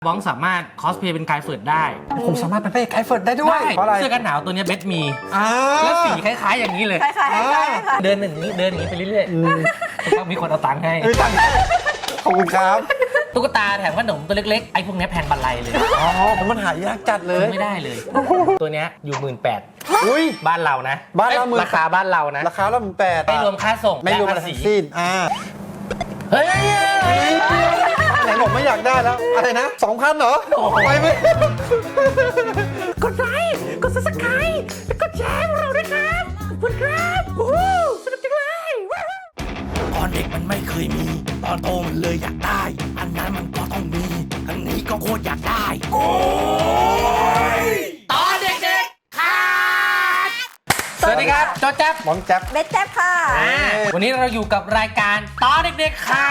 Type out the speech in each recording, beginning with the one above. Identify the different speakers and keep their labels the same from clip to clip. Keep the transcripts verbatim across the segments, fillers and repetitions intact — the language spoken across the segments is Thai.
Speaker 1: บ้องสามารถคอสเพลย์เป็นกายเฟิร์ดได้
Speaker 2: ผมสามารถเป็นพระเอกไกด์เฟิร์ดได้ด้วยเพราะอะไร
Speaker 1: เสื้อกันหนาวตัวนี้เบสมี
Speaker 2: แล้
Speaker 1: วสีคล้ายๆอย่างนี้เลย
Speaker 3: คล้ายๆคล้ายๆ
Speaker 1: เดินอย่างนี้เดินอย่างนี้ไปเรื่อยๆต้องมีคนเอาตังค์ให้
Speaker 2: ขอบคุณครับ
Speaker 1: ตุ๊กตาแถมขนมตัวเล็กๆไอ้พวกนี้แพงบันไลเลย
Speaker 2: อ๋อมันหายากจัดเลย
Speaker 1: ไม่ได้เลยตัวนี้อยู่หมื่นแปด
Speaker 2: อุ้ย
Speaker 1: บ้านเรานะ
Speaker 2: บ้านเรา
Speaker 1: ราคาบ้านเรานะ
Speaker 2: ราคาละหมื่นแปด
Speaker 1: ไม่รวมค่าส่ง
Speaker 2: ไม่รวมอะไรทั้งสิ้นอ่า
Speaker 1: เฮ้ย
Speaker 2: ไหนบอกไม่อยากได้แล้วอะไรนะสองพันเหรอไปไหม
Speaker 1: กดไลค์กดซับสไครต์แล้วก็แชร์เราด้วยครับขอบคุณครับโอ้โหสนุกจังเลย
Speaker 4: ตอนเด็กมันไม่เคยมีตอนโตมันเลยอยากได้อันนั้นมันก็ต้องมีอันนี้ก็โคตรอยากได้โอ้ยตอนเด็กๆค่ะ
Speaker 1: สวัสดีครับโจ๊ะแจ๊บ
Speaker 2: บ้องแจ๊บ
Speaker 3: เบสแจ๊บค่ะ
Speaker 1: วันนี้เราอยู่กับรายการตอนเด็กๆค่ะ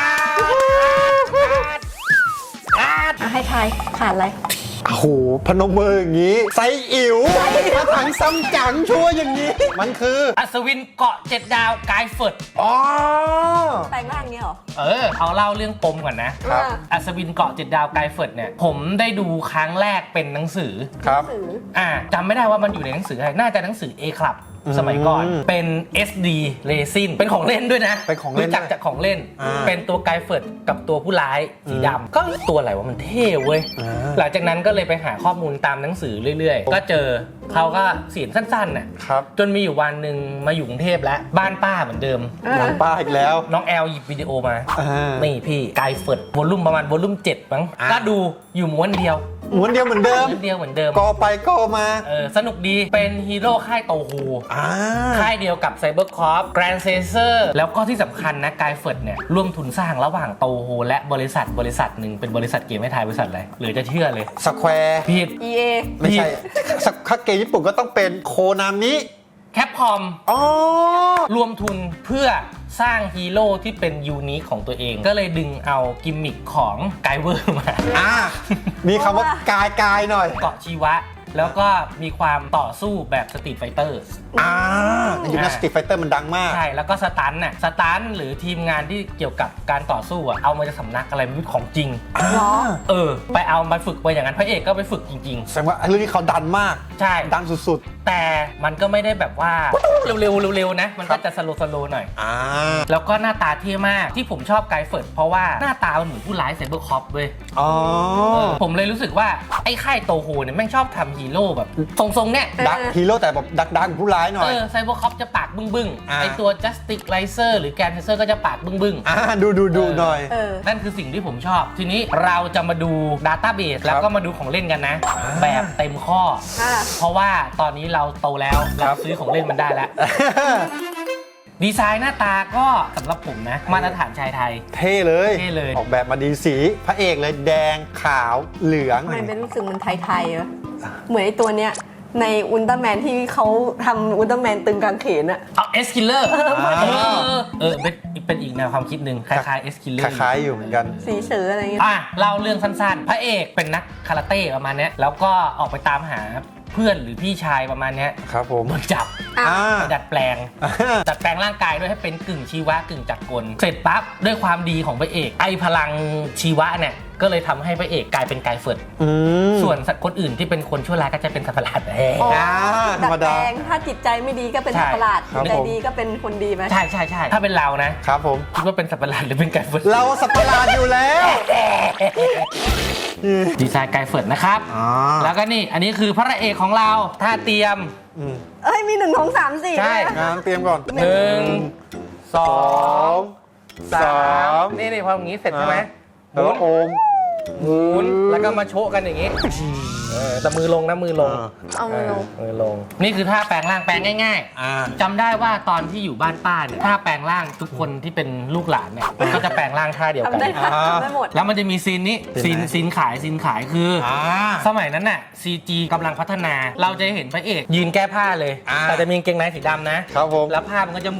Speaker 3: ให้ทายขาดอะไร
Speaker 2: โอ้โหพนมมืออย่างนี้ไซอิ๋วมาถังซ้ำจังชัวอย่างนี้มันคือ
Speaker 1: อัศวินเกาะเจ็ดดาวกายเฟิร์ด
Speaker 2: อ๋อ
Speaker 3: แปลงร่างเนี้ยหรอ
Speaker 1: เออเอาเล่าเรื่องปมก่อนนะครับอัศวินเกาะเจ็ดดาวกายเฟิร์ดเนี่ยผมได้ดูครั้งแรกเป็นหนังสือ
Speaker 2: ครับ
Speaker 1: อ่าจำไม่ได้ว่ามันอยู่ในหนังสืออะไรน่าจะหนังสือ A Club สมัยก่อนเป็น เอส ดี Resin เป็นของเล่นด้วยนะ
Speaker 2: เป็นของเล่น
Speaker 1: รู้จักจากของเล่นเป็นตัวกายเฟิร์ดกับตัวผู้ร้ายสีดำก็ตัวอะไรวะมันเท่เว้ยหลังจากนั้นก็เลยไปหาข้อมูลตามหนังสือเรื่อยๆก็เจอเขาก็เสียงสั้นๆน่ะจนมีอยู่วันหนึ่งมาอยู่กรุงเทพแล้วบ้านป้าเหมือนเดิม
Speaker 2: บ้านป้าอีกแล้ว
Speaker 1: น้องแอลหยิบวิดีโอมานี่พี่กายเฟิร์ดวอลลุ่มประมาณวอลลุ่มเจ็ดมั้งก็ดูอยู่ม้วนเดียว
Speaker 2: ม้วนเดียวเหมือนเดิม
Speaker 1: ม้วนเดียวเหมือนเดิม
Speaker 2: กอไปกอมา
Speaker 1: เออสนุกดีเป็นฮีโร่ค่ายโตฮูค่ายเดียวกับไซเบอร์คอร์ปแกรนด์เซเซอร์แล้วก็ที่สำคัญนะกายเฟิร์ดเนี่ยร่วมทุนสร้างระหว่างโตฮูและบริษัทบริษัทหนึ่งเป็นบริษัทเกมให้ทายบริษัทอะไรหรือจะเชื่อเลย
Speaker 2: สแควร์
Speaker 1: ผิด
Speaker 3: อี เอ
Speaker 2: ไม่ใช่ถ้าเกมญี่ปุ่นก็ต้องเป็นโคนามิ
Speaker 1: แคปคอมอ๋อรวมทุนเพื่อสร้างฮีโร่ที่เป็นยูนิคของตัวเองก็เลยดึงเอากิมมิคของไกเวอร์มา
Speaker 2: อ่ามีคำว่ากายกายหน่อย
Speaker 1: เกาะชีวะแล้วก็มีความต่อสู้แบบสตรีทไฟเตอร์
Speaker 2: อ่าในยุคนั้นสตรีทไฟเตอร์มันดังมาก
Speaker 1: ใช่แล้วก็สตันน่ะสตันหรือทีมงานที่เกี่ยวกับการต่อสู้อ่ะเอามาจากสำนักอะไรไม่รู้ของจริง
Speaker 3: เหรอ
Speaker 1: เออไปเอามาฝึกไปอย่างนั้นพระเอกก็ไปฝึกจริง
Speaker 2: ๆแสดงว่าเรื่องนี้เขาดันมาก
Speaker 1: ใช่
Speaker 2: ดันสุด
Speaker 1: ๆแต่มันก็ไม่ได้แบบว่าเร็วๆเร็วๆนะมันก็จะสโลว์สโลว์หน่อย
Speaker 2: อ่า
Speaker 1: แล้วก็หน้าตาเท่มากที่ผมชอบไกเฟิร์ดเพราะว่าหน้าตามันเหมือนผู้ร้ายไซเบอร์คอปเว้ย
Speaker 2: อ๋อ
Speaker 1: ผมเลยรู้สึกว่าไอ้ค่ายโตโฮเนี่ยแม่งชอบทำฮีโร่แบบทรงๆเนี่ย
Speaker 2: ดักฮีโร่แต่แบบดักดักผู้ร้ายหน่อย
Speaker 1: เออไซเบอร์คอปจะปากบึ้งบึ้งไอตัวจัสติกไลเซอร์หรือแกนเซอร์ก็จะปากบึ้งบึ้ง
Speaker 2: อ่าดูดูดูหน่อย
Speaker 1: นั่นคือสิ่งที่ผมชอบทีนี้เราจะมาดูดัตต้าเบสแล้วก็มาดูของเล่นกันนะแบบเต็มข้อเพราะว่าตอนนี้เราโตแล้วเราซื้อของเล่นมันได้แล้วดีไซน์หน้าตาก็สำหรับผมนะมาตรฐานชายไทย
Speaker 2: เท่เลย
Speaker 1: เท่เลย
Speaker 2: ออกแบบมาดีสีพระเอกเลยแดงขาวเหลือง
Speaker 3: มันเป็นรู้สึกมันไทยๆเหรอเหมือนไอตัวเนี้ยในอุลตร้าแมนที่เขาทำอุลตร้าแมนตึงกางเขนอะ
Speaker 1: เอาเอสคิลเลอร์เออเป็นเป็นอีกแนวความคิดหนึ่งคล้ายๆเอสคิลเลอร์
Speaker 2: คล้ายๆอยู่เหมือนกัน
Speaker 3: สีเสืออะไรเงี้ย
Speaker 1: อ่ะเล่าเรื่องสั้นๆพระเอกเป็นนักคาราเต้ประมาณนี้แล้วก็ออกไปตามหาเพื่อนหรือพี่ชายประมาณนี้
Speaker 2: ครับผม
Speaker 1: โดนจับดัดแปลงดัดแปลงร่างกายด้วยให้เป็นกึ่งชีวะกึ่งจักรกลเสร็จปั๊บด้วยความดีของพระเอกไอพลังชีวะเนี่ยก็เลยทำให้พระเอกกลายเป็นกายเฟิร์ดส่วนสัตว์คนอื่นที่เป็นคนชั่วร้ายก็จะเป็นสัตว์ประหลาดเอง
Speaker 3: ดัดแปลงถ้าจิตใจไม่ดีก็เป็นสัตว์ประหลาดใจดีก็เป็นคนดีไหม
Speaker 1: ใช่ใช่ใช่ถ้าเป็นเรานะครับ
Speaker 2: ผม
Speaker 1: คิดว่าเป็นสัตว์ประหลาดหรือเป็นกายเฟิร์ด
Speaker 2: เราสัตว์ประหลาดอยู่แล้ว
Speaker 1: ดีไซน์กายเฟิร์ดนะครับแล้วก็นี่อันนี้คือพระเอกของเราถ้าเตรียม
Speaker 3: เอ้ยมีหนึ่งสองสามสี่
Speaker 1: ใช่
Speaker 2: งานเตรียมก่อน
Speaker 1: หนึ่งสองสามนี่นี่พออย่างนี้เสร็จใช่ไหม
Speaker 2: แล้วโอม
Speaker 1: หมุนแล้วก็มาโชกกันอย่างนี้แต่มือลงนะมือลง
Speaker 3: เอามือลง
Speaker 1: มือลงนี่คือท่าแปลงร่างแปลงง่ายๆจำได้ว่าตอนที่อยู่บ้านป้าเนี่ยท่าแปลงร่างทุกคนที่เป็นลูกหลานเนี่ยก็จะแปลงร่างท่าเดียวกัน
Speaker 3: ได้หมด
Speaker 1: แล้วมันจะมีซีนนี้ซีนซีนขายซีนขายคือสมัยนั้นน่ะ ซี จี กำลังพัฒนาเราจะเห็นพระเอกยืนแก้ผ้าเลยแต่จะมีกางเกงในสีดำนะครับ
Speaker 2: ผม
Speaker 1: แล้วผ้ามันก็จะหมุน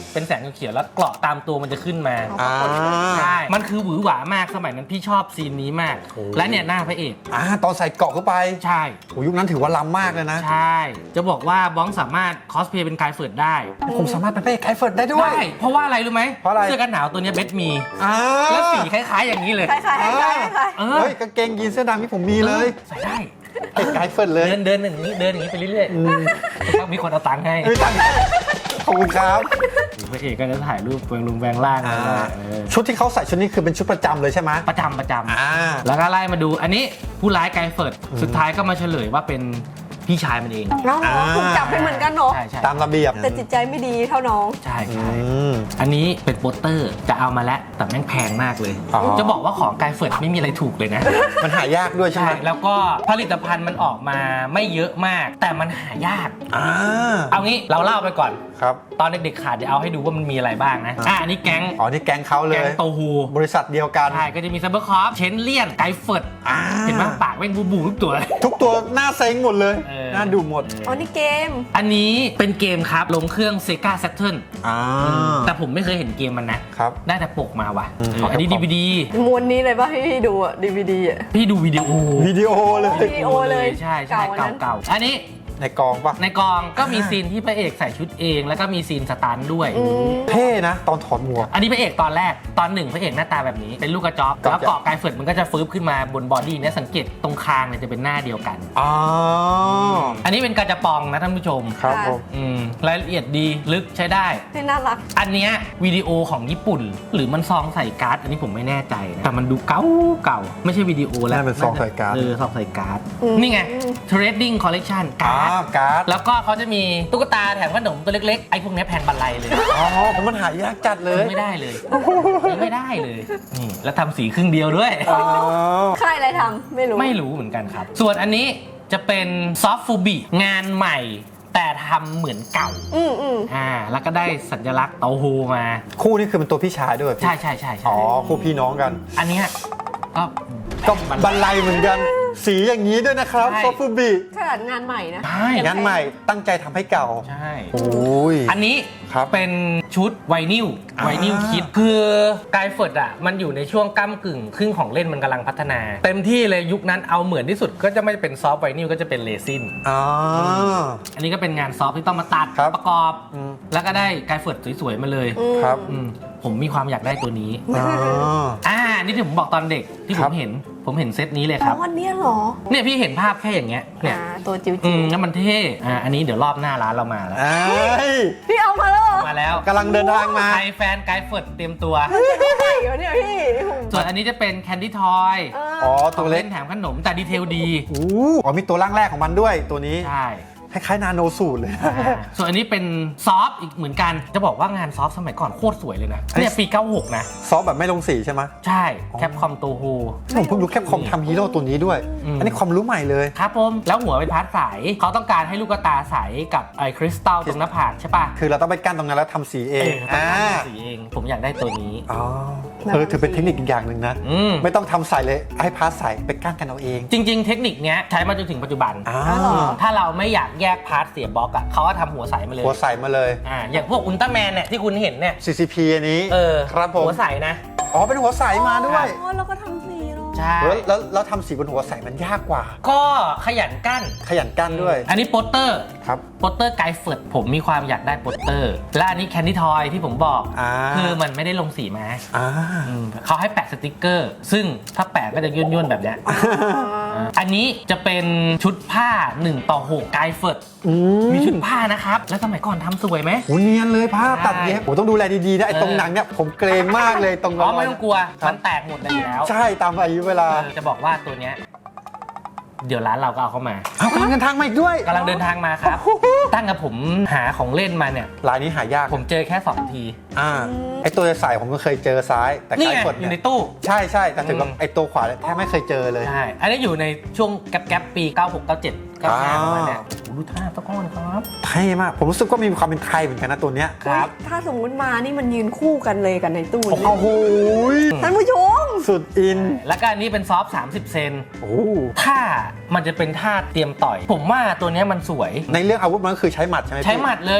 Speaker 1: เป็นแสงเขียวๆแล้วเกราะตามตัวมันจะขึ้นมา
Speaker 2: อ่า
Speaker 1: ใช่ มันคือหวือหวามากสมัยนั้นพี่ชอบซีนนี้มาก
Speaker 2: โอ้
Speaker 1: และเนี่ยหน้าพระเอก
Speaker 2: อ่าตอนใส่เกาะเข้าไป
Speaker 1: ใช่
Speaker 2: โอ้ยุคนั้นถือว่าล้ำมากเลยนะ
Speaker 1: ใช่ จะบอกว่าบ้องสามารถคอสเพลย์เป็นกายเฟิร์ดได้
Speaker 2: ผมสามารถเป็นพระเอกไคเฟิร์ดได้ด้วย
Speaker 1: ได้ เพราะว่าอะไรรู้ไหม
Speaker 2: เพราะอะไร
Speaker 1: เสื้อกันหนาวตัวเนี้ยเบสมี
Speaker 2: อ่า
Speaker 1: แล้วสีคล้ายๆอย่างนี้เลย
Speaker 3: คล้ายๆคล้ายๆคล้ายๆคล้าย
Speaker 1: เออ
Speaker 2: เฮ้ยกางเกงยีนเสื้อดำที่ผมมีเลย
Speaker 1: ใส่ได้
Speaker 2: ไอ้ไคเฟิร์ดเลย
Speaker 1: เดินเดินอย่างนี้เดินอย่างนี้ไปเรื่อยๆถ้ามีคนเอาตังค์ให้
Speaker 2: ไม่ตังค์ขอบคุณครับ
Speaker 1: พระเอกก็จะถ่ายรูปแปลงลุงแปลงล่าง
Speaker 2: อ่า
Speaker 1: เออ
Speaker 2: ชุดที่เขาใส่ชุดนี้คือเป็นชุดประจำเลยใช่ไหม
Speaker 1: ประจำประจำ
Speaker 2: อ่า
Speaker 1: แล้วก็ไล่มาดูอันนี้ผู้ร้ายไกเฟิร์ดสุดท้ายก็มาเฉลยว่าเป็นพี่ชายมันเอง
Speaker 3: ๆน้องถูกจับไปเหมือนกันเนาะ
Speaker 1: ใช่ใช่
Speaker 2: ตามระเบียบ
Speaker 3: แต่จิตใจไม่ดีเท่าน้อง
Speaker 1: ใช่
Speaker 2: อื
Speaker 1: ใช่
Speaker 2: ม
Speaker 1: อันนี้เป็นโปสเตอร์จะเอามาแล้วแต่แม่งแพงมากเลย
Speaker 2: อ๋อ
Speaker 1: จะบอกว่าของไกเฟิร์ดไม่มีอะไรถูกเลยนะ
Speaker 2: มันหายากด้วยใช่
Speaker 1: ใช่
Speaker 2: ไหม
Speaker 1: แล้วก็ผลิตภัณฑ์มันออกมาไม่เยอะมาก แต่มันหายาก
Speaker 2: อ่า
Speaker 1: เอางี้เราเล่าไปก่อน
Speaker 2: ครับ
Speaker 1: ตอนเด็กๆขาดเดี๋ยวเอาให้ดูว่ามันมีอะไรบ้างนะอ่ะอันนี้แก๊ง
Speaker 2: อ๋อนี่แก๊งเขาเล
Speaker 1: แก๊ง
Speaker 2: ย
Speaker 1: โตฮู
Speaker 2: บริษัทเดียวกัน
Speaker 1: ใช่ก็จะมีซับเบอร์คอฟเชนเลียนไกเฟิร์ด
Speaker 2: อ่า
Speaker 1: เห็นไหมปากแม่งบูบูทุกตัวเลย
Speaker 2: ทุกตัวหน้าเซ็งหมดเลย
Speaker 1: เออ
Speaker 2: หน้าดูหมด
Speaker 3: อ๋อนี่เกม
Speaker 1: อันนี้เป็นเกมครับลงเครื่อง Sega Saturn
Speaker 2: อ่า
Speaker 1: แต่ผมไม่เคยเห็นเกมมันนะ
Speaker 2: ครับ
Speaker 1: ได้แต่ปกมาว่ะ
Speaker 2: อืม
Speaker 1: เอออันนี้ ดี วี ดี
Speaker 3: มวนนี้เลยป่ะที่พี่ดูอะดีวีดีอะ
Speaker 1: พี่ดูวิดีโอ
Speaker 2: วิดีโอเลย
Speaker 3: วิดีโอเลย
Speaker 1: ใช่ใช่
Speaker 3: เก่าอันนั้น
Speaker 1: เก่าๆอันนี้
Speaker 2: ในกองปะ
Speaker 1: ในกองก็มี
Speaker 2: อ่า
Speaker 1: ซีนที่พระเอกใส่ชุดเอง แล้วก็มีซีนสตันท์ด้วย
Speaker 3: อืม
Speaker 2: เท่นะ ตอนถอดหมวก
Speaker 1: อันนี้พระเอกตอนแรกตอนหนึ่งพระเอกหน้าตาแบบนี้เป็นลูกกระจอก
Speaker 2: ครับ
Speaker 1: แล้วเกาะกายเฟิร์ดมันก็จะฟื้นขึ้นมาบนบอดี้เนี่ยสังเกตตรงคางเนี่ยจะเป็นหน้าเดียวกัน
Speaker 2: อ๋อ
Speaker 1: อันนี้เป็นกาจะปองนะท่านผู้ชม
Speaker 2: ครับผม
Speaker 1: อืมรายละเอียดดีลึกใช้ได้
Speaker 3: นี่น่ารัก
Speaker 1: อันเนี้ยวิดีโอของญี่ปุ่น หรือมันซองใส่การ์ด อันนี้ผมไม่แน่ใจนะแต่มันดูเก่าเก่าไม่ใช่วิดีโอแล้ว
Speaker 2: น่าเป็นซองใส่การ์ด
Speaker 1: เออซองใส่การ์ด
Speaker 3: อืม
Speaker 1: นี่ไง Trading Collection
Speaker 2: อ่า
Speaker 1: การ์ด
Speaker 2: การ์ด
Speaker 1: แล้วก็เขาจะมีตุ๊กตาแถมขนมตัวเล็กๆ ไอ้พวกเนี้ยแผ่นบันไลเลย
Speaker 2: อ๋อผมมันหายากจัดเลย
Speaker 1: ไม่ได้เลยไม่ได้เลยนี่แล้วทำสีครึ่งเดียวด้วย
Speaker 2: อ๋อ
Speaker 3: ค่ายอะไรทำไม่รู้
Speaker 1: ไม่รู้เหมือนกันครับ ส่วนอันนี้จะเป็นซอฟต์ฟูบิงานใหม่ แต่ทำเหมือนเก่า
Speaker 3: อืมอืม
Speaker 1: อ่าแล้วก็ได้สัญลักษณ์เตาโฮมา
Speaker 2: คู่นี้คือเป็นตัวพี่ชายด้วยพี่
Speaker 1: ใช่ใช่ใช่ใช่
Speaker 2: อ๋อ คู่พี่น้องกัน
Speaker 1: อันเนี้ยก็
Speaker 2: ก็บันไลเหมือนกัน สีอย่างนี้ด้วยนะครับ
Speaker 1: ใช่
Speaker 2: โซฟูบิ
Speaker 3: ขนาดงานใหม่นะ
Speaker 1: ใช่
Speaker 2: งานใหม่ตั้งใจทำให้เก่า
Speaker 1: ใช่
Speaker 2: โอ้ย
Speaker 1: อันนี้
Speaker 2: ครับ
Speaker 1: เป็นชุดไวนิล
Speaker 2: อ่า
Speaker 1: ไวนิลคิดคือกายเฟิร์ดอ่ะมันอยู่ในช่วงก้ากึ่งครึ่งของเล่นมันกำลังพัฒนา เต็มที่เลยยุคนั้นเอาเหมือนที่สุดก็จะไม่เป็นซอฟต์ไวนิลก็จะเป็นเรซิน
Speaker 2: อ๋อ
Speaker 1: อันนี้ก็เป็นงานซอฟต์ที่ต้องมาตัด
Speaker 2: ครับ
Speaker 1: ประกอบ
Speaker 2: อืม
Speaker 1: แล้วก็ได้กายเฟิร์ดสวยๆมาเลย
Speaker 3: อืม
Speaker 2: ครับ
Speaker 1: อืมผมมีความอยากได้ตัวนี้
Speaker 2: อ๋อ
Speaker 1: อ่านี่ที่ผมบอกตอนเด็กที่ผ
Speaker 2: ครั
Speaker 1: ม
Speaker 2: บ
Speaker 1: เห็นผมเห็นเซตนี้เลย
Speaker 3: อ๋
Speaker 1: ค
Speaker 3: อ
Speaker 1: รับ
Speaker 3: วันเนี้ยเหรอ
Speaker 1: เนี่ยพี่เห็นภาพแค่อย่างเงี้ยเนี่ย
Speaker 3: อ่าตัวจิ๋ว
Speaker 1: อื
Speaker 3: จิ๋
Speaker 1: ม
Speaker 3: ว
Speaker 1: แล้วมันเท่อ่าอันนี้เดี๋ยวรอบหน้าร้านเรามาแล้ว
Speaker 2: ไอ้ย
Speaker 3: พี่เอามาแล้วเหรอ
Speaker 1: มาแล้ว
Speaker 2: กำลังเดินทางมา
Speaker 1: ใครแฟนไกด์เฟิร์ดเตรียมตัว
Speaker 3: ใช่เหรอเนี่ยพี่
Speaker 1: ส่วนอันนี้จะเป็นแคนดี้ทอย
Speaker 3: เออ
Speaker 2: อ๋อ
Speaker 1: ข
Speaker 2: ตั
Speaker 1: อง
Speaker 2: วเล็
Speaker 1: เล่
Speaker 2: ก
Speaker 1: นแถมขนมแต่ดีเทลดี
Speaker 2: อู้อ๋อมีตัวร่างแรกของมันด้วยตัวนี้
Speaker 1: ใช่
Speaker 2: คล้ายๆนาโนสูตรเลย
Speaker 1: อ่าส่วนอันนี้เป็นซอฟต์อีกเหมือนกัน จะบอกว่างานซอฟต์สมัยก่อนโคตรสวยเลยนะ
Speaker 2: อันนี้
Speaker 1: เนี่ยปีเก้าหกนะ
Speaker 2: ซอฟต์แบบไม่ลงสีใช่ไหม
Speaker 1: ใช่แคปคอมโตโฮ
Speaker 2: ผมเพิ่งรู้แคปคอมทำฮีโร่ตัวนี้ด้วย
Speaker 1: อืม
Speaker 2: อันนี้ความรู้ใหม่เลย
Speaker 1: ครับผมแล้วหัวเป็นพาร์ทใสเขาต้องการให้ลูกตาใสกับไอ้คริสตัลตรงหน้าผากใช่ป่ะ
Speaker 2: คือเราต้องไปกั้นตรงนั้นแล้วทำสีเอ
Speaker 1: เอง อต้องการทำสีเองผมอยากได้ตัวนี้
Speaker 2: อ๋อเออถือเป็นเทคนิคอีกอย่างหนึ่งนะ
Speaker 1: อืม
Speaker 2: ไม่ต้องทำใส่เลยให้พาร์ทใส่ไปกั้นกันเอาเอง
Speaker 1: จริง ๆ เทคนิคเนี้ยใช้มาจนถึงปัจจุบัน
Speaker 2: อ่า
Speaker 3: อ๋อเหรอ
Speaker 1: ถ้าเราไม่อยากแยกพาร์ทเสียบล็อกอ่ะเขาก็ทำหัวใสมาเลย
Speaker 2: หัวใส่มาเลย
Speaker 1: อ่าอย่างพวกอุลตร้าแมนเนี่ยที่คุณเห็นเนี่ย
Speaker 2: ซี ซี พี อันนี้
Speaker 1: เออ
Speaker 2: ครับผม
Speaker 1: หัวใสนะ
Speaker 2: อ๋อเป็นหัวใสมาด้วย
Speaker 3: อ๋อแล้วก็ทำสีเนาะ
Speaker 1: ใช่
Speaker 2: แล้วแล้วแล้วทำสีบนหัวใสมันยากกว่า
Speaker 1: ก็ขยันกั้น
Speaker 2: ขยันกั้นด้วย
Speaker 1: อันนี้โปสเตอร์
Speaker 2: ครับ
Speaker 1: โปสเตอร์ไกด์เฟิร์ดผมมีความอยากได้โปสเตอร์ และอันนี้แคนดี้ทอยที่ผมบอก
Speaker 2: อ่า
Speaker 1: คือมันไม่ได้ลงสีมา
Speaker 2: อ่า
Speaker 1: อืมเขาให้แปะสติกเกอร์ ซึ่งถ้าแปะก็จะย่นๆแบบเนี้ยอ่าอันนี้จะเป็นชุดผ้าหนึ่งต่อหกไกด์เฟิร์ด
Speaker 2: อืม
Speaker 1: มีชุดผ้านะครับ แล้วสมัยก่อนทำสวยไหม
Speaker 2: โหเนียนเลยผ้าตัดเย็บ
Speaker 1: ใช่
Speaker 2: โหต้องดูแลดีๆนะไอ้
Speaker 1: เออ
Speaker 2: ตรงหนังเนี่ยผมเกรงมากเลยตรง
Speaker 1: อ๋อไม่ต้องกลัว
Speaker 2: ครั
Speaker 1: มั
Speaker 2: บ
Speaker 1: นแตกหมดเลยอยู่แล้ว
Speaker 2: ใช่ตามอายุเวลา
Speaker 1: เออจะบอกว่าตัวเนี้ยเดี๋ยวร้านเราก็เอาเข้ามา
Speaker 2: เอากำลังเดินทางมาอีกด้วย
Speaker 1: กำลังเดินทางมาครับ ตั้งกับผมหาของเล่นมาเนี่ย
Speaker 2: ลายนี้หายาก
Speaker 1: ผมเจอแค่สองที
Speaker 2: อ่าไอ้ตัวใส่ผมก็เคยเจอซ้าย แต่
Speaker 1: นี่
Speaker 2: ใกล้
Speaker 1: ไง
Speaker 2: กด
Speaker 1: อยู่ใน
Speaker 2: เนี่ย
Speaker 1: ตู้
Speaker 2: ใช่ใช่แต่ถึงกับ
Speaker 1: อืม
Speaker 2: ไอ้ตัวขวาเนี่ยแทบไม่เคยเจอเลย
Speaker 1: ใช่ อันนี้อยู่ในช่วงแก๊ปๆปี เก้าหก เก้าเจ็ด เก้าห้า
Speaker 2: อ่า
Speaker 1: ประมาณเนี้ยโอ้โหดูท่าตะก้อนครับ
Speaker 2: เท่มาก ผมรู้สึกว่ามีความเป็นไทยเหมือนกันนะตัวเนี้ย
Speaker 1: ครับ
Speaker 3: ถ้าสมมุติมานี่มันยืนคู่กันเลยกันในตู้
Speaker 2: โอ้
Speaker 3: นี่
Speaker 2: โห
Speaker 3: ท่านผู้ชม
Speaker 2: สุดอิน
Speaker 1: แล้วก็อันนี้เป็นซอฟต์สามสิบเซน
Speaker 2: โอ้
Speaker 1: ถ้ามันจะเป็นท่าเตรียมต่อย ผมว่าตัวเนี้ยมันสวย
Speaker 2: ในเรื่องอาวุธมันก็คือใช้หมัดใช่ไหมพี่
Speaker 1: ใช้หมัดเลย
Speaker 2: ช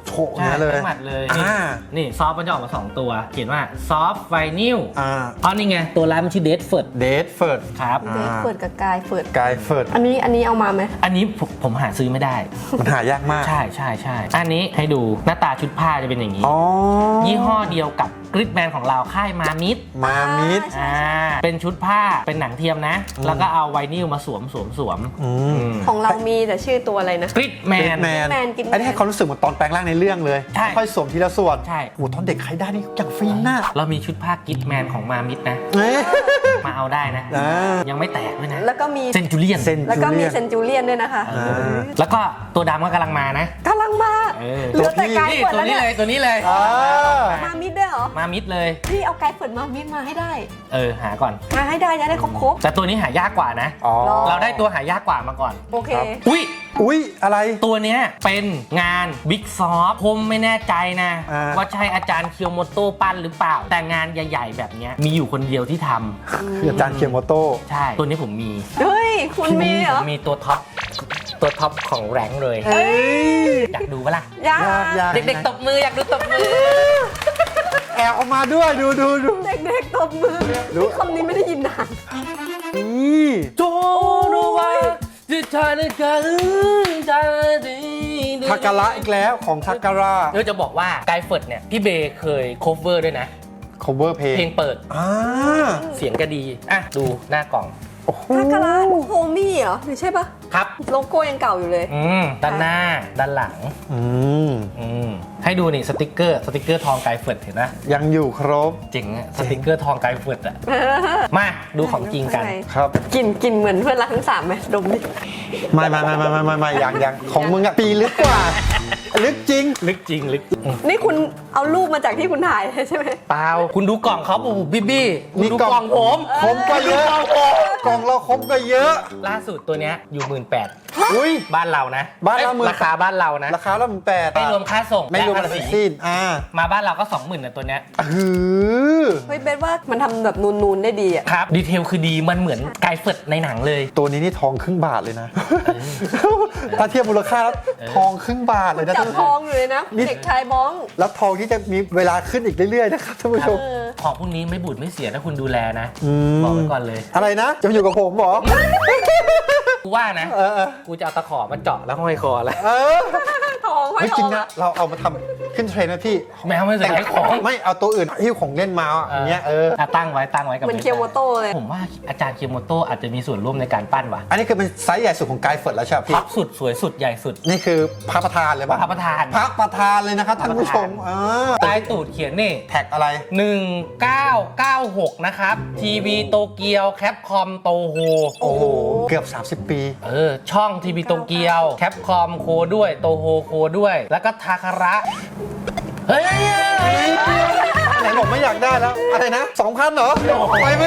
Speaker 2: โฉะ
Speaker 1: ใช่
Speaker 2: เนี้ยเลย
Speaker 1: ทั้งหมัดเลย
Speaker 2: อ่า
Speaker 1: นี่ซอฟต์มันจะออกมาสองตัว เขียนว่าซอฟต์ไวนิล
Speaker 2: อ่า
Speaker 1: อ๋อนี่ไง ตัวร้านมันชื่อเดดเฟิร์ด
Speaker 2: เดทเฟิร์ด
Speaker 1: ครับ
Speaker 3: เดทเฟิร์ดกับกายเฟิร์ด
Speaker 2: กายเฟิร์ด
Speaker 3: อันนี้อันนี้เอามาไหม
Speaker 1: อันนี้ผมผมหาซื้อไม่ได้
Speaker 2: มันหายากมาก
Speaker 1: ใช่ใช่ใช่อันนี้ให้ดูหน้าตาชุดผ้าจะเป็นอย่างนี้
Speaker 2: อ๋อ
Speaker 1: ยี่ห้อเดียวกับกริดแมนของเราค่ายมามิด
Speaker 2: มามิด
Speaker 1: อ่าเป็นชุดผ้าเป็นหนังเทียมนะ แล้วก็เอาไวนิลมาสวมสวมสวม
Speaker 2: อืม
Speaker 3: ของเรามีแต่ชื่อตัวอะไรนะ
Speaker 1: กริดแม
Speaker 2: เด
Speaker 1: น
Speaker 2: ทแมน
Speaker 3: Gridman Gridman
Speaker 2: อันนี้ให้ความรู้สึกเหมือนตอนแปลงร่างในเรื่องเลย
Speaker 1: ใช่
Speaker 2: ค่อยสวมทีละส่วน
Speaker 1: ใช่
Speaker 2: โอ้โหตอนเด็กใครได้นี่อย่างฟินน่ะ
Speaker 1: เรามีชุดผ้ากริดแมนของมามิดนะ
Speaker 2: เอ๊ะ
Speaker 1: มาเอาได้นะ
Speaker 2: อ่า
Speaker 1: ยังไม่แตกด้วยนะ
Speaker 3: แล้วก็มี
Speaker 1: เซนจูเลียน
Speaker 2: เซน
Speaker 3: แล้วก็มี
Speaker 2: จูเลียน
Speaker 3: เซนจูเลียนด้วยนะคะ
Speaker 1: เออแล้วก็ตัวดำก็กำลังมานะ
Speaker 3: กำลังมา
Speaker 1: เออ
Speaker 3: เหลือแต่กาย
Speaker 1: นี่
Speaker 3: เฟิร์ด
Speaker 1: ตัว
Speaker 3: แล้ว
Speaker 1: นี้
Speaker 3: เนี่ย
Speaker 1: เลยตัวนี้เลย
Speaker 2: อ่า
Speaker 3: มามิดด้วยเหรอ
Speaker 1: มามิดเลย
Speaker 3: พี่เอากายเฟิร์ดมามิดมาให้ได้
Speaker 1: เออหาก่อน
Speaker 3: มาให้ได้จะได้ครบครบ
Speaker 1: แต่ตัวนี้หายากกว่านะ
Speaker 2: อ๋อ
Speaker 1: เราได้ตัวหายากกว่ามาก่อน
Speaker 3: ๆโอเค
Speaker 2: ครับ
Speaker 1: อุ้ย
Speaker 2: อุ๊ย อะไร
Speaker 1: ตัวเนี้ยเป็นงานบิ๊กซอฟผมไม่แน่ใจนะ
Speaker 2: อ่า
Speaker 1: ว่าใช่อาจารย์เคียวโมโต้ปั้นหรือเปล่า แต่งานใหญ่ๆแบบเนี้ยมีอยู่คนเดียวที่ทำ
Speaker 2: คืออาจารย์เคียโมโต้
Speaker 1: ใช่ ตัวนี้ผมมี
Speaker 3: เฮ้ย คุณมีเหร
Speaker 1: ผ
Speaker 3: อ
Speaker 1: มมีตัวท็อปตัวท็อปของแรงค์เลย
Speaker 3: เอ้ย
Speaker 1: อยากดูปะล่ะ
Speaker 3: ยาย
Speaker 2: ากยาก
Speaker 1: เด็กๆตบมืออยากดูตบมือ
Speaker 2: แอบออกมาด้วยดูดูดู
Speaker 3: เด็กๆตบมือ
Speaker 2: รู้
Speaker 3: นี่คำนี้ไม่ได้ยินนาน
Speaker 2: นี่
Speaker 1: โจโนวาจิตาในการใจดี
Speaker 2: ทาการะอีกแล้วของทาการะ
Speaker 1: เดี๋ยวจะบอกว่าไกด์เฟิร์ดเนี่ยพี่เบย์เคยโคเวอร์ด้วยนะ
Speaker 2: cover เพลง
Speaker 1: เพลงเปิด
Speaker 2: อ่า
Speaker 1: เสียงก็ดี อ่ะ ดูหน้ากล่อง
Speaker 2: โอ้โห
Speaker 3: ทาการะโฮมี่เหรอหรือใช่ปะ
Speaker 1: ครับ
Speaker 3: โลโก้ยังเก่าอยู่เลย
Speaker 1: อืม ด้านหน้า ด้านหลัง
Speaker 2: อืม
Speaker 1: อืม ให้ดูนี่สติกเกอร์ สติกเกอร์ทองไกด์เฟิร์ดเห็นไหม
Speaker 2: ยังอยู่ครบ
Speaker 1: เจ๋งอะสติกเกอร์ทองไกด์เฟิร์ดอะมาดูของจริงกัน
Speaker 2: ครับ
Speaker 3: กลิ่นกลิ่นเหมือนเพื่อนรักทั้งสามไหมดมดิ
Speaker 2: ไม่ไม่ไม่ไม่ไม่ไม่ไม่ยังยังของมึงอะปีลึกกว่า ลึกจริง
Speaker 1: ลึกจริงลึกอืม
Speaker 3: นี่คุณเอารูปมาจากที่คุณถ่ายเลยใช่ไหม
Speaker 1: เปล่า คุณดูกล่องเขาปูบี้บี้คุณดู
Speaker 2: นี่กล่
Speaker 1: กล่
Speaker 2: อ
Speaker 1: อง งผม
Speaker 2: คมก็เยอะ กล่องเราคมก็เยอะ
Speaker 1: ล่าสุดตัวเนี้ยอยู่หมื่นแปด
Speaker 2: อุ้ย
Speaker 1: บ้านเรานะ
Speaker 2: บ้านเรา
Speaker 1: อ้ย
Speaker 2: หมื่น
Speaker 1: ราคาบ้านเรานะ
Speaker 2: ราคาละหมื่นแปด
Speaker 1: ไม่รวมค่าส่ง
Speaker 2: ไม่รวม
Speaker 1: และ
Speaker 2: อะไร
Speaker 1: ภาษี
Speaker 2: ทั้งสิ้นอ่า
Speaker 1: มาบ้านเราก็สองหมื่นนะตัวเนี้ย
Speaker 2: หือ
Speaker 3: เฮ้ยเบสว่ามันทำแบบนูนๆได้ดีอ่ะ
Speaker 1: ครับ ดีเทลคือดี มันเหมือนไกด์เฟิร์ดในหนังเลย
Speaker 2: ตัวนี้นี่ทองครึ่งบาทเลยนะ ถ้าเทียบมูลค่าแล้วทองครึ่งบาทเลยนะ
Speaker 3: จับทองอยู่เลยนะ
Speaker 2: นี่
Speaker 3: เด็กชายบ้อง
Speaker 2: แล้วทองที่จะมีเวลาขึ้นอีกเรื่อยๆนะครับท่านผู้ชม
Speaker 3: เออ
Speaker 1: ของพวกนี้ไม่บูดไม่เสียถ้าคุณดูแลนะ
Speaker 2: ม
Speaker 1: บอกไว้ก่อนเลย
Speaker 2: อะไรนะ จะมาอยู่กับผมเหรอ
Speaker 1: กูว่านะ
Speaker 2: เออเออ
Speaker 1: กูจะเอาตะขอมาเจาะแล้วห้อยคอแล้ว
Speaker 2: เออ
Speaker 3: ทองห้อย
Speaker 2: เฮ้ย
Speaker 3: ท
Speaker 2: จริ
Speaker 3: อง ง
Speaker 2: นะ เราเอามาทำขึ้นเทรนด์นะพี่
Speaker 1: แมวไม่ใส่ของ
Speaker 2: ไม่เอาตัวอื่นหิ้วของเล่นมาอ่ะอย่างเงี้ยเออ
Speaker 1: ะตั้งไว้ตั้งไว้กับ
Speaker 3: เหมือนเคียวโมโต้เลย
Speaker 1: ผมว่าอาจารย์เคียวโมโต้อาจจะมีส่วนร่วมในการปั้นว่ะ
Speaker 2: อันนี้คือเป็นไซส์ใหญ่สุดของไกด์เฟิร์ดแล้วใช่ไหม
Speaker 1: ท็
Speaker 2: พี่
Speaker 1: อปสุดสวยสุดใหญ่สุด
Speaker 2: นี่คือพระประธานเลยป่ะ
Speaker 1: พระประธาน
Speaker 2: พระประธานเลยนะครับท่านผู้ชมอ่า
Speaker 1: ใต้ตูดเขียนนี่
Speaker 2: แท็กอะไร
Speaker 1: หนึ่งเก้าเก้าหกนะครับ ทีวีโตเกียวแคปคอมโตโฮ
Speaker 2: โอ้โห เกือบ สามสิบ ปี
Speaker 1: เออ ช่องทีวีโตเกียวแคปคอมโคด้วยโตโฮโคด้วย แล้วก็ทาคาระ เฮ้ย
Speaker 2: ไหนบอกไม่อยากได้แล้ว อะไรนะสองพันเหรอไปไหม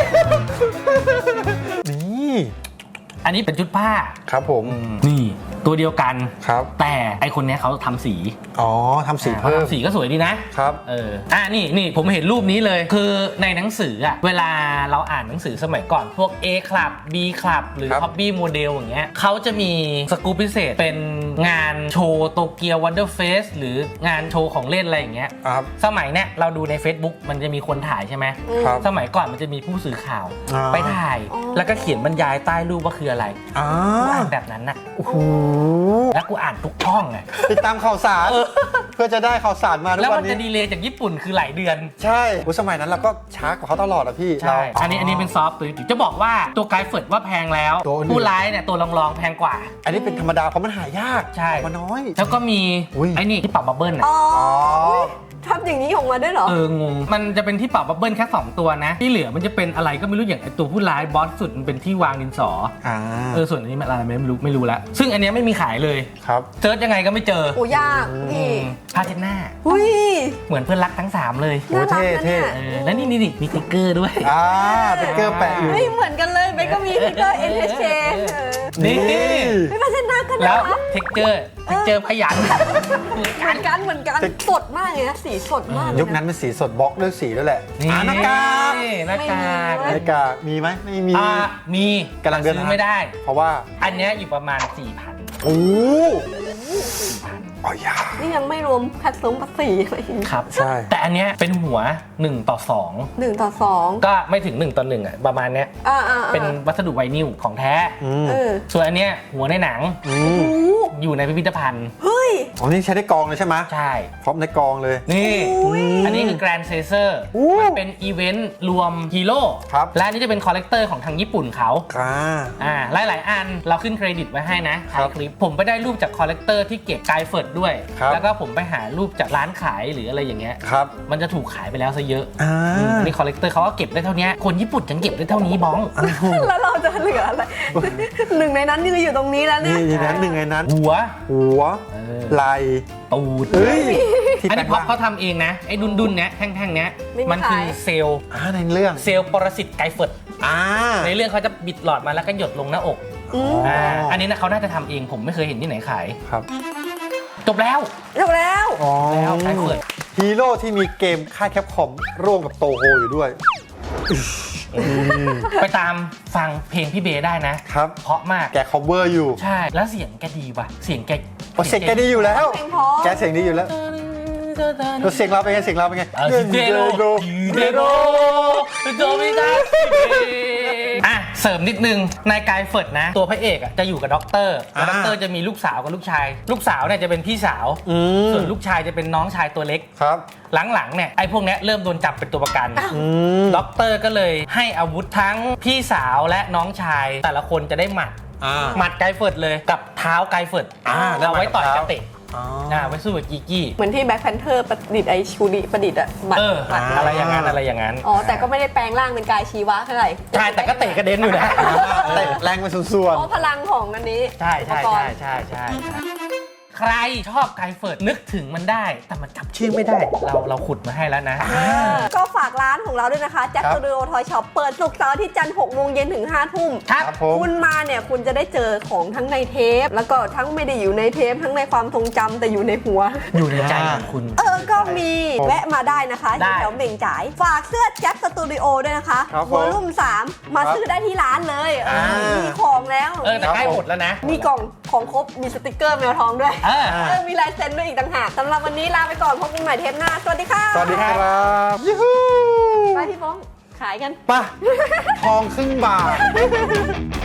Speaker 2: นี่
Speaker 1: อันนี้เป็นชุดผ้า
Speaker 2: ครับผม
Speaker 1: นี่ ตัวเดียวกัน
Speaker 2: ครับ
Speaker 1: แต่ไอคนเนี้ยเขาทำสี
Speaker 2: อ๋อทำสี
Speaker 1: อ่า
Speaker 2: เพิ่ม
Speaker 1: ทำสีก็สวยดีนะ
Speaker 2: ครับ
Speaker 1: เออ อ่ะนี่นี่ผมเห็นรูปนี้เลย คือในหนังสืออะเวลาเราอ่านหนังสือสมัยก่อนพวก A Club B Club หรือ
Speaker 2: ครับ
Speaker 1: Hobby Model อย่างเงี้ยเขาจะมีสกู๊ปพิเศษเป็นงานโชว์โตเกียววันเดอร์เฟสหรืองานโชว์ของเล่นอะไรอย่างเงี้ย
Speaker 2: ครับ
Speaker 1: สมัยเนี้ยเราดูใน Facebook มันจะมีคนถ่ายใช่ไหม
Speaker 2: ครับ
Speaker 1: สมัยก่อนมันจะมีผู้สื่อข่าว
Speaker 2: อ่า
Speaker 1: ไปถ่าย แล้วก็เขียนบรรยายใต้รูปว่าคืออะไร
Speaker 2: อ่า
Speaker 1: กูอ่านแบบนั้นน่ะ
Speaker 2: โอ้โห
Speaker 1: แล้วกูอ่านทุกช่องไง
Speaker 2: ติดตามข่าวสาร เพื่อจะได้ข่าวสารมาทุ
Speaker 1: แล้ว
Speaker 2: กวั
Speaker 1: มัน น
Speaker 2: นี้
Speaker 1: จะดีเลย์จากญี่ปุ่นคือหลายเดือน
Speaker 2: ใช่โอ้สมัยนั้นเราก็ช้ากว่าเขาตลอดอะพี่
Speaker 1: ใช่
Speaker 2: เรา
Speaker 1: อันนี้อันนี้เป็นซอฟต์ตัวนี้จะบอกว่าตัวไกด์เฟิร์ดว่าแพงแล้ว
Speaker 2: ตัวอื่น
Speaker 1: ผู้ร้ายเนี่ยตัวรองๆแพงกว่า
Speaker 2: อันนี้เป็นธรรมดาเพราะมันหายาก
Speaker 1: ใช่
Speaker 2: มันน้อย
Speaker 1: แล้วก็มี
Speaker 2: อุ๊ย
Speaker 1: ไอ้นี่ที่ปรับบับเบิ้ลน่ะ
Speaker 3: อ๋อ
Speaker 2: อ๋อ
Speaker 3: ทำอย่างนี้ออกมาด้วยเหรอ
Speaker 1: เอองง มันจะเป็นที่ปรับบับเบิ้ลแค่สองตัวนะ ที่เหลือมันจะเป็นอะไรก็ไม่รู้อย่างไอ้ตัวผู้ร้ายบอสสุดมันเป็นที่วางดินสอ
Speaker 2: อ่า
Speaker 1: เออส่วนอันนี้มันอะไรไม่รู้ไม่รู้ละซึ่งอันเนี้ยไม่มีขายเลย
Speaker 2: ครับ
Speaker 1: เซิร์ชยังไงก็ไม่เจอ
Speaker 3: โอ้ยาก
Speaker 1: อื
Speaker 3: พี่
Speaker 1: มผ้าเช็ดหน้า
Speaker 3: อุ้ย
Speaker 1: เหมือนเพื่อนรักทั้งสามเลย
Speaker 2: โอ้
Speaker 3: น่ารักนะ
Speaker 2: เท่
Speaker 3: เนี่ย
Speaker 1: เออแล้วนี่นี่นี่มีสติ๊กเกอร์ด้วย
Speaker 2: อ่าติ๊กเกอร์แปะอยู่
Speaker 3: เฮ้ยเหมือนกันเลยเบสก็มีสติ๊กเกอร์ เอ็น เอช เค เออ
Speaker 1: นี่
Speaker 3: ไม่มาเส้นหน้ากัน
Speaker 1: แล้ว
Speaker 3: นะ
Speaker 1: เท็กเจอร์เท็กเจอร์พยัน
Speaker 3: เหมือนกันเหมือนกันสดมากเลยนะสีสดมากเลยะ
Speaker 2: ยุคนั้นเป็นสีสดบล็อกด้วยสีด้วยแหละ
Speaker 1: นี่
Speaker 2: อ่าหน้ากาก
Speaker 1: หน้ากาก
Speaker 3: ไม่มี
Speaker 2: หน้ากากมีไหมไม่มี
Speaker 1: อ่ามี
Speaker 2: กำลังเดิน
Speaker 1: ซื้อ
Speaker 2: หา
Speaker 1: ไม่ได้
Speaker 2: เพราะว่า
Speaker 1: อันเนี้ยอยู่ประมาณ สี่พัน
Speaker 2: โอ้อ๋อยา
Speaker 3: นี่ยังไม่รวมคัดซุ้มภาษีอะไรอีก
Speaker 1: ครับ
Speaker 2: ใช่
Speaker 1: แต่อันเนี้ยเป็นหัวหนึ่งต่อสอง
Speaker 3: หนึ่งต่อสอง
Speaker 1: ก็ไม่ถึงหนึ่งต่อหนึ่งอ่ะประมาณเนี้ย
Speaker 3: อ่าอ่าอ่า
Speaker 1: เป็นวัสดุไวนิลของแท้
Speaker 2: อืม
Speaker 3: เออ
Speaker 1: ส่วนอันเนี้ยหัวในหนัง
Speaker 2: อื
Speaker 3: โอ้
Speaker 2: ม
Speaker 3: โห
Speaker 1: อยู่ในพิพิธภัณฑ์
Speaker 3: เฮ้ย
Speaker 2: อ๋อนี่ใช้ได้กองเลยใช่ไหม
Speaker 1: ใช่
Speaker 2: พร้อมในกองเลย
Speaker 1: นี่
Speaker 3: อุ้ย
Speaker 1: อันนี้คือ Grand Caesar
Speaker 2: อู้
Speaker 1: มันเป็นอีเวนต์รวมฮีโร่
Speaker 2: ครับ
Speaker 1: และอันนี้จะเป็นคอลเลกเตอร์ของทางญี่ปุ่นเขา
Speaker 2: อ่า
Speaker 1: อ่าหลาย ๆ อันเราขึ้นเครดิตไว้ให้นะ
Speaker 2: ครั
Speaker 1: ท้า
Speaker 2: บ
Speaker 1: ยคลิป ผมไปได้รูปจากคอลเลกเตอร์ที่เก็บไกด์เฟิร์ดด้วย
Speaker 2: ครับ
Speaker 1: แล้วก็ผมไปหารูปจากร้านขายหรืออะไรอย่างเงี้ย
Speaker 2: ครับ
Speaker 1: มันจะถูกขายไปแล้วซะเยอะ
Speaker 2: อ่า
Speaker 1: อืมนี่คอลเลกเตอร์เขาก็เก็บได้เท่านี้คนญี่ปุ่นยังเก็บได้เท่านี้บ้อง
Speaker 3: แล้วเราจะเหลืออะไร หนึ่งในนั้นคืออยู่ตรงนี้แล้วเนี่
Speaker 2: นี่
Speaker 3: ย
Speaker 2: ในนั้นหนึ่งในนั้น
Speaker 1: หัว
Speaker 2: หัว
Speaker 1: เออ
Speaker 2: ไหล
Speaker 1: ตูด
Speaker 2: เฮ้ยที่
Speaker 1: อัน
Speaker 2: แปล
Speaker 1: นี้
Speaker 2: ง
Speaker 1: เพราะ
Speaker 2: ร่าง
Speaker 1: เขาทำเองนะ ไอ้ดุนดุนๆเนี้ยแท่งๆเนี้ย
Speaker 3: ไม่มี
Speaker 1: มันคือ
Speaker 3: ขาย
Speaker 1: เซลล์
Speaker 2: อ่าในเรื่อง
Speaker 1: เซลล์ปรสิตไกด์เฟิร์ด
Speaker 2: อ่า
Speaker 1: ในเรื่องเขาจะบิดหลอดมาแล้วก็หยดลงหน้าอก
Speaker 3: อืม
Speaker 1: อ่าอันนี้นะเขาน่าจะทำเองผมไม่เคยเห็นที่ไหนขาย
Speaker 2: ครับ
Speaker 1: จบแล้ว
Speaker 3: จบแล้ว
Speaker 2: อ๋อ
Speaker 1: แล้วไกด์เฟิร์ด
Speaker 2: ฮีโร่ที่มีเกมค่ายแคปคอมร่วมกับโตโฮอยู่ด้วย
Speaker 1: ไปตามฟังเพลงพี่เบย์ได้นะ
Speaker 2: ครับ
Speaker 1: เพราะมาก
Speaker 2: แก cover อยู่
Speaker 1: ใช่ แล้วเสียงแกดีว่ะ เสียงแก
Speaker 2: โอ้เสียงแกดีอยู่แล้ว
Speaker 3: เพลงเพราะ
Speaker 2: แกเสียงดีอยู่แล้วแล้วเสียงเราเป็นไงเสียงเราเป็นไง
Speaker 1: เออเดโรเดโรโดมินาอ่ะเสริมนิดนึงในกายเฟิร์ดนะ ตัวพระเอกอ่ะจะอยู่กับด็อกเตอร์แล้วด็อกเตอร์จะมีลูกสาวกับลูกชาย ลูกสาวเนี่ยจะเป็นพี่สาว
Speaker 2: อืม
Speaker 1: ส่วนลูกชายจะเป็นน้องชายตัวเล็ก
Speaker 2: ครับ
Speaker 1: หลังๆเนี่ยไอ้พวกเนี้ยเริ่มโดนจับเป็นตัวประกัน
Speaker 2: อืม
Speaker 1: ด็อกเตอร์ก็เลยให้อาวุธทั้งพี่สาวและน้องชาย แต่ละคนจะได้หมัด
Speaker 2: อ่า
Speaker 1: หมัดไกด์เฟิร์ดเลยกับเท้าไกด์เฟิร์ด
Speaker 2: อ่า
Speaker 1: เอาไว้ต่อย
Speaker 2: แล้วหมัดกับ
Speaker 1: กระเตะ
Speaker 2: อ๋อ
Speaker 1: อ่าไว้สู้กับกีกี้
Speaker 3: เหมือนที่แบ็คแพนเทอร์ประดิษฐ์ไอชูดิประดิษฐ์อะบัตร
Speaker 1: เออ
Speaker 3: บัตร
Speaker 1: อะไรอย่างนั้นอะไรอย่างนั้น
Speaker 3: อ๋อ แต่ก็ไม่ได้แปลงร่างเป็นกายชีวะเท่าไหร่
Speaker 1: ใช่แต่ก็เตะกระเด็นอยู่นะ
Speaker 2: เตะแรงไปส่วน
Speaker 3: เพราะพลังของอันนี้
Speaker 1: ใช่ใช่
Speaker 3: อุปก
Speaker 1: ใช่
Speaker 3: รณ์
Speaker 1: ใช่ใช่ใช่ใครชอบไกด์เฟิร์ดนึกถึงมันได้ แต่มันจำชื่อไม่ได้ เราเราขุดมาให้แล้วนะ
Speaker 3: ก็ฝากร้านของเราด้วยนะคะแจ็ค
Speaker 2: ครับ
Speaker 3: สตูดิโอทอยช็อปเปิดศุกร์เสาร์อาที่จันทร์หกโมงเย็นถึงห้าทุ่ม
Speaker 1: ครับ
Speaker 2: ครับผม
Speaker 3: คุณมาเนี่ยคุณจะได้เจอของทั้งในเทป แล้วก็ทั้งไม่ได้อยู่ในเทป ทั้งในความทรงจำแต่อยู่ในหัว
Speaker 1: อยู่ในใจของคุณ
Speaker 3: เออ ก็มีแวะมาได้นะคะ
Speaker 1: ได้
Speaker 3: ที่แถวเหม่งจ่าย ฝากเสื้อแจ็คสตูดิโอด้วยนะคะ
Speaker 2: ครับผม
Speaker 3: วอลลุ่มสามมา
Speaker 2: ครับ
Speaker 3: ซื้อได้ที่ร้านเลยเออ
Speaker 2: อ่ามี
Speaker 3: มีของแล้ว
Speaker 1: เออแต่ใกล้หมดแล้วนะ
Speaker 3: มีกล่องของครบ มีสติกเกอร์แมวทองด้วย
Speaker 1: เออ
Speaker 3: เออ มีลายเซ็นด้วยอีกต่างหากสำหรับวันนี้ลาไปก่อนพบกันใหม่เทปหน้า สวัสดีค่ะ
Speaker 2: ๆ สวัสดีครับยูฮู
Speaker 3: ไปพี่ฟ้องขายกัน
Speaker 2: ไปทองครึ่งบาท